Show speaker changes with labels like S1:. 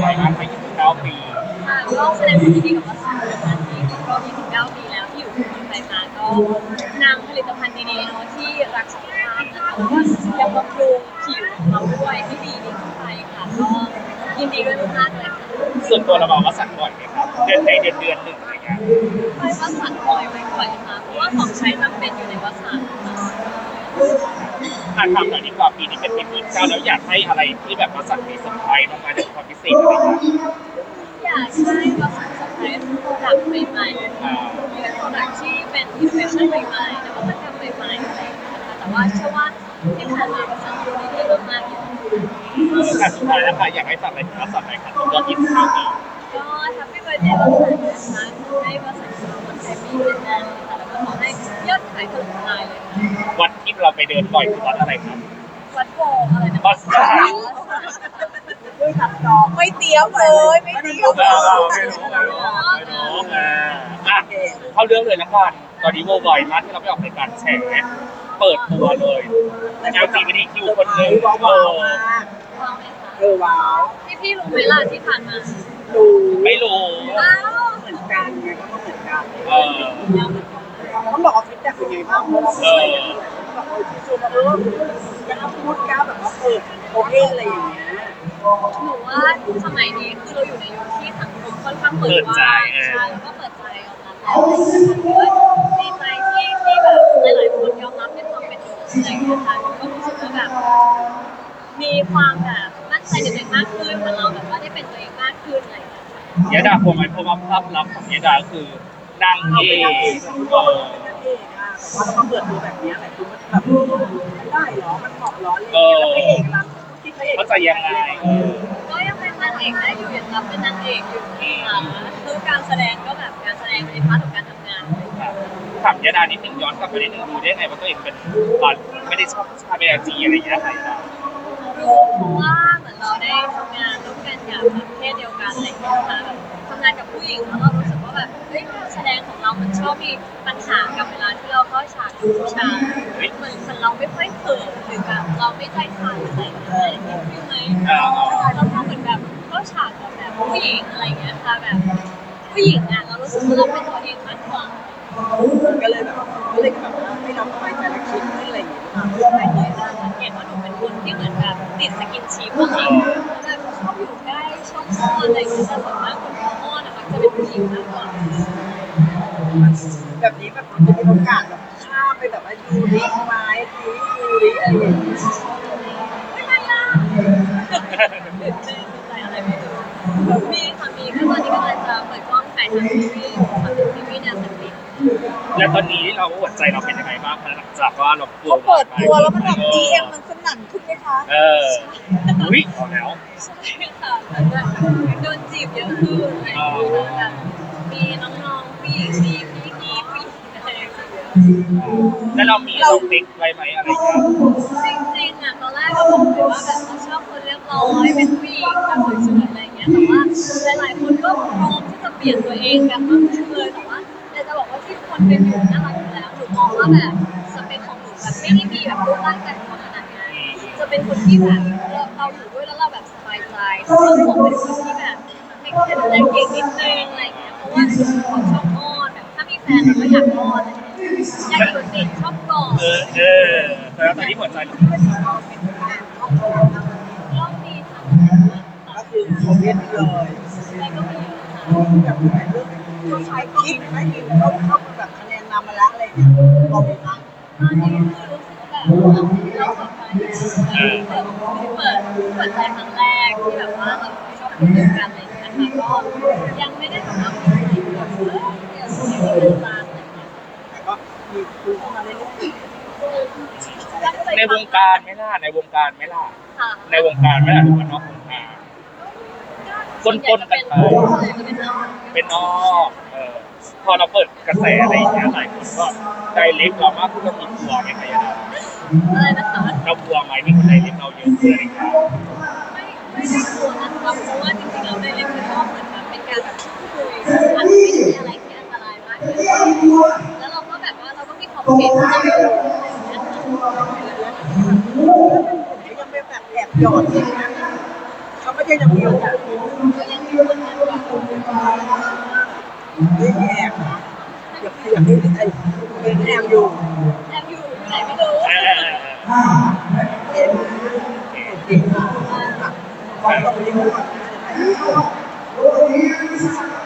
S1: อยมากไป29 ปี
S2: ค่ะก็แสดงความยินดีกับวัสดุนะคะที่ครบรอบ29 ปีแล้วที่อยู่กับคนไทยมาก็นำผลิตภัณฑ์ดีๆเนาะที่รักสุขภาพนะคะแล้วก็ยังบำรุงผิวของเราด้วยให้ดีขึ้นไปค่ะก็ยินดีด้วยมากๆเลยค่ะ
S1: ส่วนตัวเราบอกว่าสั่งบ่อยไหมครับเดือนหนึ่งอะไรเงี้ย
S2: ไปวัสันบ่อยไหมบ่อยค่ะเพราะว่าของใช้จำเป็นอยู่ในวัสัน
S1: ทำหน่อยดีกว่าปีนี้เป็นปี29แล้วอยากให้อะไรที่แบบว่าสั่งมีเซอร์ไพรส์มาจากความพิเศษอะไรเงี้ย
S2: อยากให้วัสันสเปรย์โปรดักต์ใหม่ๆเป็นโปรดักต์ที่เป็นอินโนเวชั่นใหม่ๆนวัตกรรมใหม่ๆอะไรอย่างเงี้ยค่ะแต่ว่าเชื่อว่าที่ผ่านมาวัสันดูดีมากๆอยู่
S1: ค่ะสุดท้ายแล้วค่ะอยากให้ฝากอะไรถึงวัสันหน่อยค่ะรอบ29 ปี
S2: ก็แฮปปี้เบิร์ธเดย์วัสันนะคะให้วัสันสุขภาพแฮปปี้นานๆค่ะแล้วก็ขอให้ยอดขายถล่มทลายเลยค่ะ
S1: วัดที่เราไปเดินบ่อยคือวัดอะไรครับ
S2: วัดโบอะไรนะ
S1: วัด
S3: ด้วยตัดต่อไม่เตรียมเลยไม่เตรียมเลย
S1: ไม่รู้เข้าเรื่องเลยละกันตอนนี้โวบอยมากที่เราไปออกรายการแฉเปิดตัวเลยLGBTQ คนหนึ่ง
S2: ว้าวไหมคะ
S3: ว้าว
S2: พี่รู้ไหมล่ะที่ผ่านมา
S3: ดู
S1: ไม่รู้
S2: อ้าว
S3: เหมือนกันไงก็เหมือนกัน
S2: ต้อง
S3: บอกว่าฟีดแบ็กเป็นไงบ้างเพราะเราแบบที่สุดกล้าพูดกล้าแบบว่าเปิดโอเคอะไรอย่างเงี้ย
S2: หนูว่าสมัยนี้คือเราอยู่ในยุคที่สังคมค่อนข้างเปิดใจใช่แล้วก็เปิดใจยอมรับแล้วดีใจที่แบบหลายๆคนยอมรับในความเป็นตัวอะไรอย่างเงี้ยค่ะก็รู้สึกว่าแบบมีความแบบมั่นใจในตัวเองมากขึ้นเหมือนเราแบบว่าได้เป็นตัวเองมากขึ้นอะไรอย่างเงี้ย
S1: ยะดาพวงไหมเพราะว่าภาพลักษณ์ของยะดาคือนางเอก
S3: แต่ว่าเราเปิดตัวแบบนี้แหละคือมันแบบไม่ได้หรอมันเหมาะหรอแล้วพระเอกล่ะที่พระเอก
S1: เขาจะยังไง
S2: ก็ยังเป็นนางเอกได้อยู่ยังรับเป็นนางเอกอยู่ค่ะคือการแสดงก็แบบการแสดงในพาร์ทของการทำงาน
S1: ถามยะดานิดนึงย้อนกลับไปนิดนึงดูได้ไงว่าตัวเองเป็นไม่ได้ชอบชาเบลจีอะไรอย่างเงี้ยใครได้
S2: รู้เพราะว่าเหมือนเราได้ทำงานร่วมกันกับเพศเดียวกันอะไรอย่างเงี้ยค่ะทำงานกับผู้หญิงแล้วเรารู้สึกว่าแบบการแสดงของเรามันชอบมีปัญหากับเวลาที่เราเข้าฉากกับผู้ชายเหมือนเราไม่ค่อยเขินหรือแบบเราไม่ใจสั่นอะไรอย่างเงี้ยใช่ไหมเราก็เหมือนแบบเข้าฉากกับแบบผู้หญิงอะไรอย่างเงี้ยค่ะแบบผู้หญิงอ่ะเรารู้สึกว่าเราเป็นตัวเองมากกว่า
S3: ก็เลยแบบให้เราสบายใจและคิดขึ้นอะไรอย่างเงี้ย
S2: ไม่เคยสังเกตว่าหนูเป็นคนที่เหมือนแบบติดสกินชิปอะไรแบบชอบอยู่ใกล้ชอบอ้อนอะไรอย่างเงี้ยแต่ส่วนมากคนที่อ้อนอะมันจะเป็นผู้หญิงมากกว่า
S3: แบบนี้แบบจะมีโอกาสแบบข้ามไปแบบว่ายูริไม้ยูริอะไรอย่างเงี้ย
S2: ไม่ล่ะตื่นเต้นใจอะไรไม่รู้มีค่ะมีก็ตอนนี้กำลังจะเปิดกล้องถ่ายทำซีรีส์แนวสตรีท
S1: แล้วตอนนี้เราหัวใจเราเป็นยังไงบ้างคะหลังจากว่าเรา
S3: เปิดตัวแล้วมันแบบ DM มันสนั่นขึ้นไหมคะ
S1: อุ้ยพอแล้ว
S2: ใช่ค่ะโดนจีบเยอะขึ้นแบบมีน้องๆผู้หญิงมีพี่ผู้หญิงอะไรอย่างเงี้ย
S1: แล้วเรามีเราติ๊กไว้ไหมอะไรอย่างเงี้ย
S2: จริงๆอ่ะตอนแรกเราบอกเลยว่าแบบเราชอบคนเรียบร้อยเป็นผู้หญิงแบบสวยๆอะไรอย่างเงี้ยแต่ว่าหลายๆคนก็พร้อมที่จะเปลี่ยนตัวเองกันมากขึ้นเลยแต่ว่าจะบอกว่าที่ทุกคนเป็นอยู่น่ารักอยู่แล้วหนูมองว่าแบบสเปคของหนูแบบไม่ได้มีแบบรูปร่างการขนาดนั้นจะเป็นคนที่แบบเราอยู่ด้วยแล้วเราแบบสบายใจแล้วก็ผมเป็นคนที่แบบไม่แค่ดูแลเก่งนิดนึงอะไรอย่างเงี้ยเพราะว่าเขาชอบอ้อนแบบถ้ามีแฟนเราก็อยากอ้อนอยากอยู่ติดชอบกอด
S1: แล้วตอนนี้หัวใจ
S2: รอบนี้ค่ะ
S3: ก็คือผมเรียนเลย
S2: แล้วก็มี
S3: แบบเรื่องตัวชายคิดไม่กินเขาแบบคะแนนนำมาแล้วอะไรเนี่ยเราไปนั่ง
S2: ตอนนี้คือรู้สึกแบบเราสองคนเปิดใจครั้งแรกที่แบบว่าเราชอบคนเดียวกันอะไรอย่างเงี้ยค่ะก็ยังไม่ได้แบบว่ามีอะไรแบบเป็นตา
S3: แต่ก็มีคุยเข้ามาเรื่อย
S1: ๆในวงการไม่ล่ะในวงการไม่ล่ะในวงการไม่ล่ะหรือว่านอกวงการต้นกันไปเป็นนอกพอเราเปิดกระแสอะไรอย่างเงี้ยหลายคนก็ใจเล็กเรามากขึ้นก็มีกลัวไหมคะยะดา
S2: อะไรนะคะ
S1: เรากลัวไหมที่คนใจเล็กเราเยอะขึ้นอะไรอย่างเงี้ย
S2: ไม่ได้กลัวนะคะเพราะว่าจริงๆเราได้เล่นคือชอบเหมือนแบบเป็นการแบบคุยอาจจะไม่ได้มีอะไรที่อันตรายมากแล้วเราก็แบบว่าเราก็มีความเก่งเราอยู่
S3: ยังไม่แบบแอบหยอดเลยนะเขาไม่ใช่จะมีโอกาสไม่มีแอบนะอยากให้ไอ้เป็นแอบอยู่
S2: แอบอยู่ไหนไม่รู้
S3: เอ็นโอเคค่ะขอตรงนี้ก่อนนะ